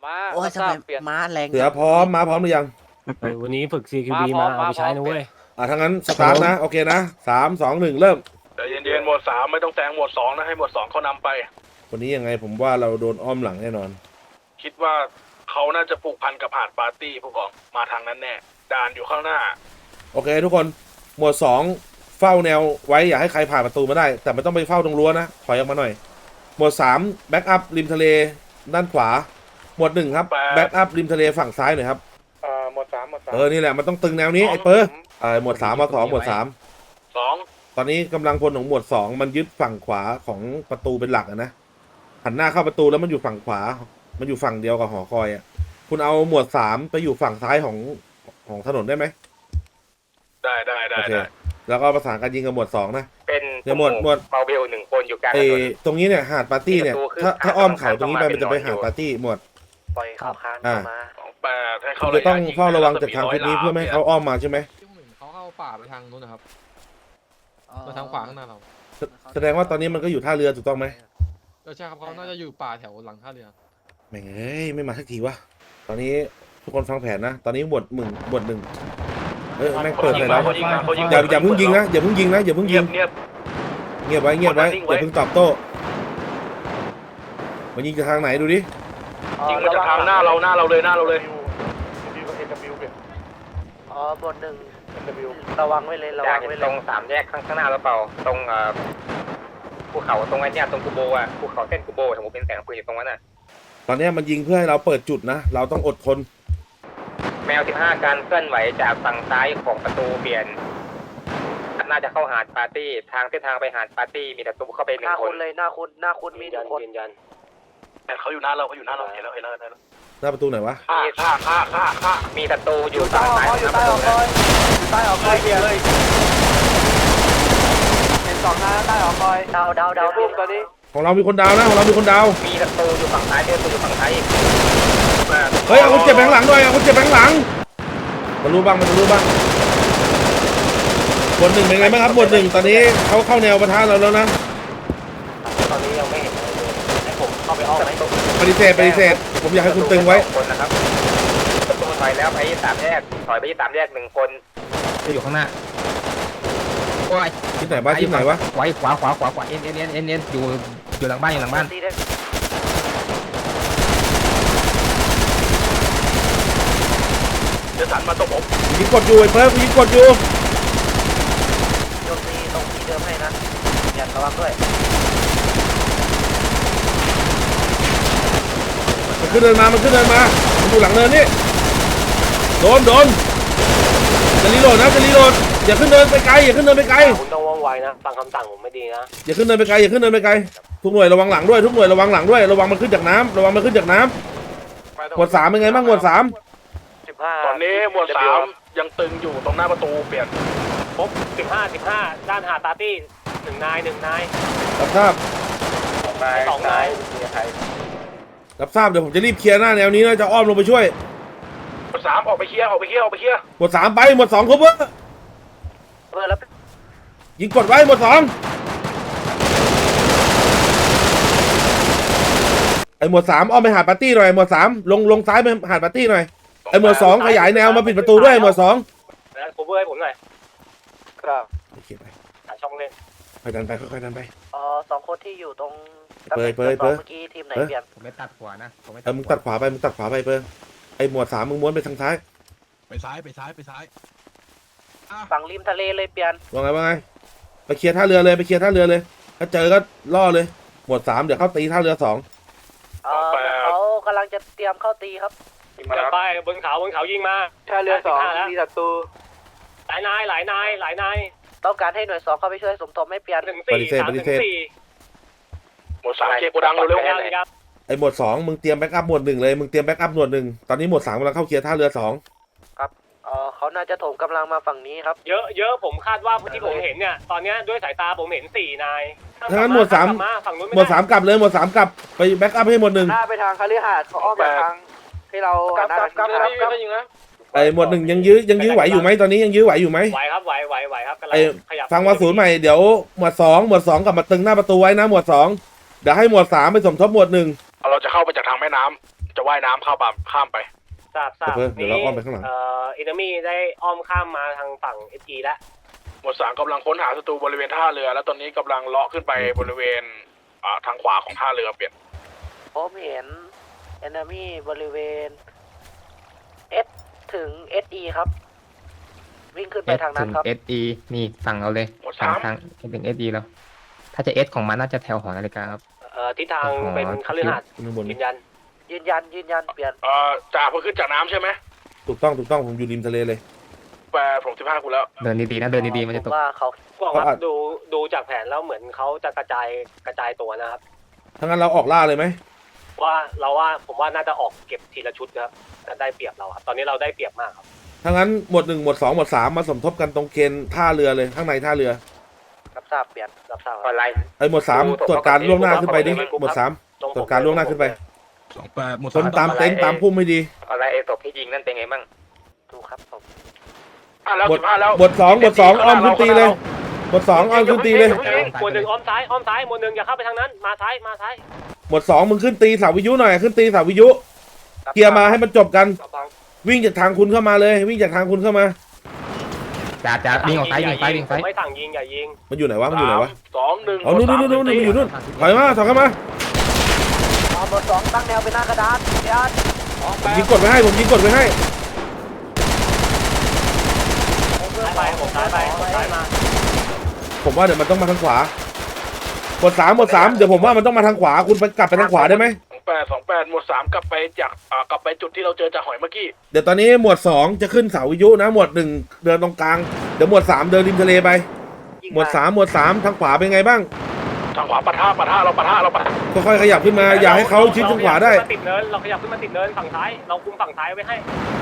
โอ้ยทำไมม้าแรงเสือพร้อมม้าพร้อมหรือยังวันนี้ฝึก CQB มาเอาไปใช้นะเว้ยถ้างั้นสตาร์ทนะโอเคนะ3 2 1เริ่มแต่เย็นๆหมวด3ไม่ต้องแซงหมวด2นะให้หมวด2เขานำไปวันนี้ยังไงผมว่าเราโดนอ้อมหลังแน่นอนคิดว่าเขาน่าจะผูกพันกับหาดปาร์ตี้ผู้กองมาทางนั้นแน่ด่านอยู่ข้างหน้าโอเคทุกคนหมวด2เฝ้าแนวไว้อย่าให้ใครผ่านประตูมาได้แต่ไม่ต้องไปเฝ้าตรงรั้วนะถอยออกมาหน่อยหมวด3แบ็กอัพริมทะเลด้านขวาหมวด1ครับแบ็กอัพริมทะเลฝั่งซ้ายหน่อยครับหมวด3 นี่แหละมันต้องตึงแนวนี้ไอ้เปอร์หมวด3มา2หมวด3ตอนนี้กำลังพลของหมวด2มันยึดฝั่งขวาของประตูเป็นหลักนะหันหน้าเข้าประตูแล้วมันอยู่ฝั่งขวามันอยู่ฝั่งเดียวกับหอคอยอ่ะคุณเอาหมวด3ไปอยู่ฝั่งซ้ายของถนนได้ไหมได้แล้วก็ประสานการยิงกับหมวด2นะเป็นหมวดเมาเบล1คนอยู่กลางถนนตรงนี้เนี่ยหาดปาร์ตี้เนี่ยถ้าอ้อมเขาตรงนี้ไปมันจะไปหาดปาร์ตี้หมวดปล่อยเขาค้างเข้ามา 28ให้เขาจะต้องเฝ้าระวังจากทางทิศนี้เพื่อไม่ให้เขาอ้อมมาใช่ไหมเขาเข้าป่าไปทางนู้นนะครับมาทางขวาข้างหน้าเราแสดงว่าตอนนี้มันก็อยู่ท่าเรือถูกต้องไหมใช่ครับเขาน่าจะอยู่ป่าแถวหลังท่าเรือไม่ไม่มาสักทีวะตอนนี้ทุกคนฟังแผนนะตอนนี้หมวด1แม่งเปิดเลยนะอย่าเพิ่งยิงนะอย่าเพิ่งยิงเงียบไว้อย่าเพิ่งตอบโต้มันยิงจากทางไหนดูดิยิงมาจากทางหน้าเราเลยบนระวังไว้เลยตรง3แยกข้างหน้าเราเปล่าตรงภูเขาตรงไอ้เนี่ยตรงกูโบอ่ะภูเขาเส้นกูโบผมเป็นแสงปืนอยู่ตรงนั้นน่ะตอนนี้มันยิงเพื่อให้เราเปิดจุดนะเราต้องอดทนแมว15การเคลื่อนไหวจากฝั่งซ้ายของประตูเปลี่ยนน่าจะเข้าหาดปาร์ตี้ทางเส้นทางไปหาดปาร์ตี้มีแต่ตัวเข้าไป1 คนเลยหน้าคุณมี1 คนแต่เขาอยู่หน้าเราเห็นแล้วหน้าประตูไหนวะฆ่ามีศัตรูอยู่ฝั่งซ้ายนะประตูใต้ออกคอยเบียร์เลยเป็น2 หน้าใต้ออกคอยดาวรูปตอนนี้ของเรามีคนดาวนะมีศัตรูอยู่ฝั่งซ้ายอยู่ฝั่งซ้ายเฮ้ยเอาคนเจ็บแบงหลังด้วยมันรู้บ้างหมวด1เป็นไงบ้างครับหมวด1ตอนนี้เขาเข้าแนวปะทะเราแล้วนะตอนนี้ยังไม่เห็นให้ผมเข้าไปอ้อมปฏิเสธผมอยากให้คุณตึงไว้คนนะครับประตูถอยแล้วไป3 แยกถอยไป3 แยก1 คนอยู่ข้างหน้าโอ้ยที่ไหนวะขวาเอ็นอยู่หลังบ้านจะสั่นมาตรงผมยิงกดอยู่ไอ้เพิ่มยิงกดอยู่โยนตีตรงที่เดิมให้นะอย่าระวังด้วยมันขึ้นเดินมามันอยู่หลังเนินนี่โดนจะรีโหลดอย่าขึ้นเดินไปไกลคุณต้องว่องไวนะฟังคำสั่งผมไม่ดีนะอย่าขึ้นเดินไปไกลทุกหน่วยระวังหลังด้วยระวังมันขึ้นจากน้ำหมวด3เป็นไงบ้างหมวด3 ตอนนี้หมวด3ยังตึงอยู่ตรงหน้าประตูเปลี่ยนครบ15ด้านหาดปาร์ตี้1 นายรับทราบ 2 นายรับทราบเดี๋ยวผมจะรีบเคลียร์หน้าแนวนี้นะจะอ้อมลงไปช่วยหมวด3ออกไปเคลียร์หมวด3ไปหมวด2ครบแล้วยิงกดไว้หมวด2ไอ้หมวด3อ้อมไปหาดปาร์ตี้หน่อยหมวด3ลงซ้ายไปหาดปาร์ตี้หน่อยไอ้หมวด2ขยายแนวมาปิดประตูด้วยหมวด2 แล้วโคเวอร์ให้ผมหน่อยครับโอเคไปหาช่องเล่นค่อยดันไป 2 คนที่อยู่ตรงเปิดเมื่อกี้ทีมไหนเปลี่ยนผมไม่ตัดขวานะมึงตัดขวาไปเปิดไอ้หมวด3มึงม้วนไปทางซ้ายไปซ้ายฝั่งริมทะเลเลยเปลี่ยนว่าไงไปเคลียร์ท่าเรือเลยถ้าเจอก็ล่อเลยหมวด3เดี๋ยวเข้าตีท่าเรือ2 เขากำลังจะเตรียมเข้าตีครับไปบนเขายิงมาท่าเรือ2มีศัตรูหลายนายต้องการให้หน่วย2เข้าไปช่วยสมทบไม่เปลี่ยนปฏิเสธหมวด3เคโกดังเร็วไอ้หมวด2มึงเตรียมแบ็กอัพหมวด1เลยมึงเตรียมแบ็กอัพหมวด1ตอนนี้หมวด3กำลังเข้าเคลียร์ท่าเรือ2 ครับเขาน่าจะโถมกำลังมาฝั่งนี้ครับเยอะผมคาดว่าที่ผมเห็นเนี่ยตอนนี้ด้วยสายตาผมเห็น4 นายถ้างั้นหมวด3กลับเลยหมวด3กลับไปแบ็กอัพให้หมวด1 หน้าไปทางคาลิฮาดเขาอ้อมไปทางที่เรากลับไอ้หมวด1ยังยื้อไหวอยู่ไหมตอนนี้ยังยื้อไหวอยู่ไหมไหวครับกำลังขยับฟังว่า0ใหม่เดี๋ยวหมวด2กลับมาตึงหน้าประตูไว้นะหมวด2เดี๋ยวให้หมวด3ไปสมทบหมวด1 เราจะเข้าไปจากทางแม่น้ำจะว่ายน้ำข้ามไปทราบเดี๋ยวเราอ้อมไปข้างหลังเอนมี่ได้อ้อมข้ามมาทางฝั่งเอจีแล้วหมวด 3กำลังค้นหาศัตรูบริเวณท่าเรือ แล้วตอนนี้กำลังเลาะขึ้นไปบริเวณทางขวาของท่าเรือเปลี่ยนผมเห็น enemy บริเวณ S ถึง SE ครับ วิ่งขึ้นไปทางนั้นครับถึง SE นี่ฝั่งเราเลยหมวดทางถึง SE แล้วถ้าจะ S ของมันน่าจะแถวหอนาฬิกาครับทิศทางเป็นคฤหาสน์ข้างบนยืนยันยืนยันเปลี่ยนจ่าเพิ่งขึ้นจากน้ำใช่ไหมถูกต้องผมอยู่ริมทะเลเลยผม15กูแล้วเดินดีๆนะเดินดีๆมันจะตผกว่าเขาก็ครับดูจากแผนแล้วเหมือนเขาจะกระจายตัวนะครับถ้างั้นเราออกล่าเลยไหมผมว่าน่าจะออกเก็บทีละชุดนะครับได้เปรียบเราครับตอนนี้เราได้เปรียบมากครับถ้างั้นหมวด 1 หมวด 2 หมวด 3 มาสมทบกันตรงเคนท่าเรือเลยข้างในท่าเรือรับทราบเปลี่ยนรับทราบออนไลน์หมวด 3 ตรวจการล่วงหน้าขึ้นไปดิหมวด 3 ตรวจการล่วงหน้าขึ้นไปชนตามเต็นท์ตามพุ่มไม่ดีออนไลน์เอตกที่ยิงนั่นเป็นไงบ้างดูครับผมหมวด 2 หมวด 2 อ้อมขึ้นตีเลยหมวด 2 อ้อมขึ้นตีเลยหมวด 1อ้อมซ้ายหมวด 1อย่าเข้าไปทางนั้นมาซ้ายหมวด 2 มึงขึ้นตีเสาวิทยุหน่อยขึ้นตีเสาวิทยุเคลียร์มาให้มันจบกัน วิ่งจากทางคุณเข้ามาเลย วิ่งจากทางคุณเข้ามาจ่าวิ่งออกซ้ายยิงซ้ายไม่สั่งยิงอย่ายิงมันอยู่ไหนวะมันอยู่ไหนวะ 2 1 อ๋อนู่นมันอยู่นู่นถอยมาถอยเข้ามาหมวด 2 ตั้งแนวเป็นหน้ากระดานเปลี่ยนผมยิงกดไว้ให้ผมยิงกดไว้ให้ผมซ้ายมาผมว่าเดี๋ยวมันต้องมาทางขวาหมวด 3 เดี๋ยวผมว่ามันต้องมาทางขวาคุณไปกลับไปทางขวาได้ไหม 28หมวด 3กลับไปจุดที่เราเจอจากหอยเมื่อกี้เดี๋ยวตอนนี้หมวด 2 จะขึ้นเสาวิทยุนะหมวด 1 เดินตรงกลางเดี๋ยวหมวด 3 เดินริมทะเลไปหมวด 3 ทางขวาเป็นไงบ้างทางขวาปะทะเราปะทะค่อยๆขยับขึ้นมาอย่าให้เขาชิดทางขวาได้เราขยับขึ้นมาติดเนินฝั่งซ้ายเราคุมฝั่งซ้ายไว้ให้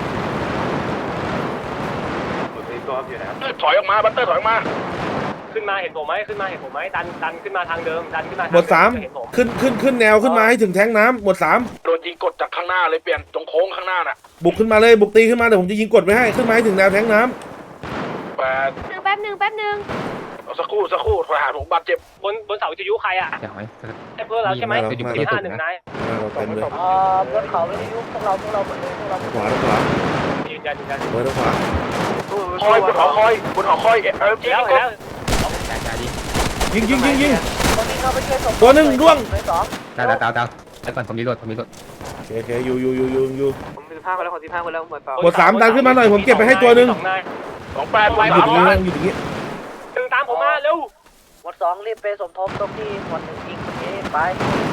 ถอยออกมาบัตเตอร์ถอยออกมาขึ้นมาเห็นผมไหมดันขึ้นมาทางเดิมดันขึ้นมาหมวด 3 ขึ้นแนวขึ้นมาให้ถึงแท้งน้ำหมวด 3 โดนยิงกดจากข้างหน้าเลยเปลี่ยนตรงโค้งข้างหน้าน่ะบุกขึ้นมาเลยบุกตีขึ้นมาเดี๋ยวผมจะยิงกดไว้ให้ขึ้นมาให้ถึงแนวแท้งน้ำ 8 แป๊บหนึ่งเอาสักครู่ถอยหาผมบาดเจ็บบนเสาวิทยุใครอ่ะเดี๋ยวไอ้เพื่อนเราใช่ไหม51นายเราเต็มเลยบนเขาวิทยุพวกเราหมดเลยพวกเราขวายืนยันเบอร์ทางขวาคอยบนหอคอยยิงแล้วจ่ายิงยิงตอนนี้เข้าไปช่วยส่งตัวหนึ่งร่วงเลย2 ดาวแล้วก่อนผมรีโหลดโอเคอยู่ผม15ไปแล้วผม15ไปแล้วหมวดหมวด 3 ดันขึ้นมาหน่อยผมเก็บไปให้ตัวหนึ่ง 28หมวดอยู่ตรงนี้ 3 อยู่ตรงนี้ดึงตามผมมาเร็วหมวด 2 รีบไปสมทบตรงที่หมวด 1 ยิงเมื่อกี้ไป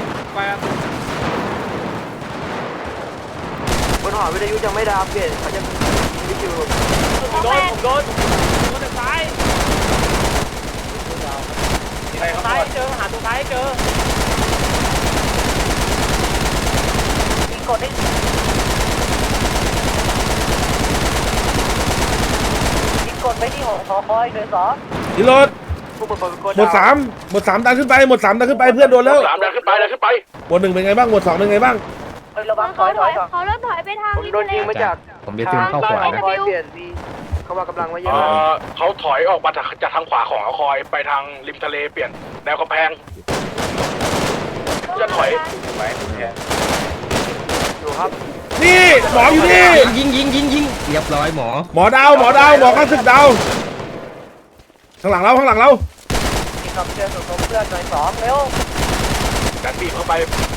บนหอวิทยุยังไม่ดาวเปลี่ยนเขาจะวิทยุโดนจากซ้ายเจอหาตรงซ้ายเจอยิงกดให้ยิงกดไปที่หอคอยเลย2 รีโหลดผู้เปิดเป็นคนหมวด 3 ดันขึ้นไปหมวด 3 ดันขึ้นไปเพื่อนโดนแล้ว 3ดันขึ้นไปหมวด 1 เป็นไงบ้างหมวด 2 เป็นไงบ้างระวังถอยก่อนเขาเริ่มถอยไปทางริมทะเลผมจะซึมเข้าขวานะคอยเปลี่ยนมีเขาว่ากำลังไว้เยอะเขาถอยออกมาจากทางขวาของคอยไปทางริมทะเลเปลี่ยนแนวกำแพงจะถอยอยู่ครับนี่หมออยู่นี่ยิงเรียบร้อยหมอหมอดาวหมอข้าศึกดาวข้างหลังเรานี่ครับเพื่อนส่งเพื่อนหน่อย2เร็วดันบีบเข้าไป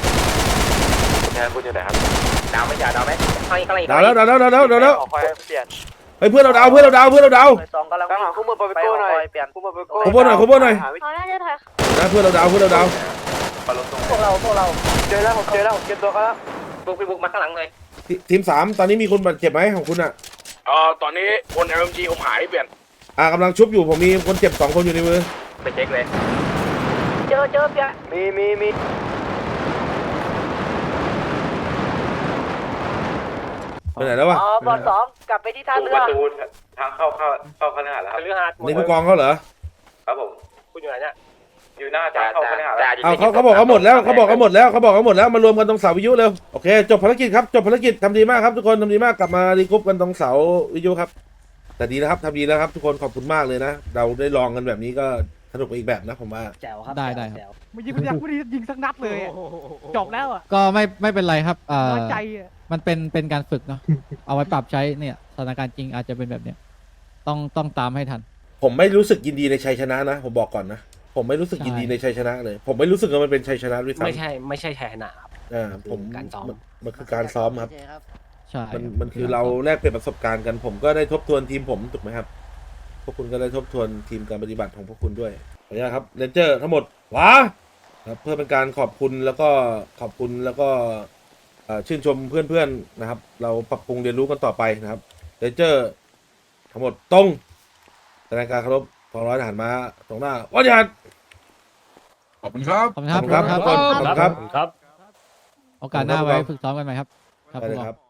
ดาวไหมจ่าดาวไหมข้างอีกดาวแล้วคอยเปลี่ยนเฮ้ยเพื่อนเราดาวหน่อย2กำลังหาคู่มือไปโก้หน่อยเปลี่ยนคู่มือไปโก้ขบวนหน่อยเขาน่าจะถอยนะเพื่อนเราดาวพวกเราเจอแล้วผมเก็บตัวเขาแล้วบุกมาข้างหลังเลยทีม 3 ตอนนี้มีคนบาดเจ็บไหมของคุณอ่ะตอนนี้บน LMG ผมหายเปลี่ยนกำลังชุบอยู่ผมมีคนเจ็บ2 คนอยู่ในมือไปเช็คเลยเจอเปลี่ยนมีไปไหนแล้ววะบอล2กลับไปที่ท่าเรือทางเข้าคฤหาสน์แล้วครับเรือหาดนี่ผู้กองเขาเหรอครับผมคุณอยู่ไหนเนี่ยอยู่หน้าทางเข้าคฤหาสน์แล้วเขาบอกเขาหมดแล้วมารวมกันตรงเสาวิทยุเร็วโอเคจบภารกิจครับจบภารกิจทำดีมากครับทุกคนทำดีมากกลับมารีกรุ๊ปกันตรงเสาวิทยุครับแต่ดีนะครับทำดีแล้วครับทุกคนขอบคุณมากเลยนะเราได้ลองกันแบบนี้ก็สนุกไปอีกแบบนะผมว่าแจ๋วครับได้แจ๋วไม่ยิงไม่ได้ยิงสักนัดเลยอะจบแล้วอ่ะก็ไม่เป็นไรครับน้อยใจอ่ะมันเป็นการฝึกเนาะ เอาไว้ปรับใช้เนี่ยสถานการณ์จริงอาจจะเป็นแบบเนี้ยต้องตามให้ทันผมไม่รู้สึกยินดีในชัยชนะนะผมบอกก่อนนะผมไม่รู้สึกยินดีในชัยชนะเลย ผมไม่รู้สึกว่ามันเป็นชัยชนะด้วยซ้ำไม่ใช่แทนนะครับผมการซ้อมมันคือการซ้อมครับใช่มันคือเราแลกเปลี่ยนประสบการณ์กัน ผมก็ได้ทบทวนทีมผมถูกไหมครับ พวกคุณก็ได้ทบทวนทีมการปฏิบัติของพวกคุณด้วยขออนุญาตครับเรนเจอร์ทั้งหมดว้าครับเพื่อเป็นการขอบคุณแล้วก็ชื่นชมเพื่อนๆนะครับ เราปรับปรุงเรียนรู้กันต่อไปนะครับเรนเจอร์ทั้งหมดตรงแสดงการเคารพกองร้อยทหารม้าตรงหน้าวัดยานขอบคุณครับขอบคุณครับขอบคุณครับทุกคนขอบคุณครับครับโอกาสหน้าไว้ฝึกซ้อมกันใหม่ครับได้เลยครับ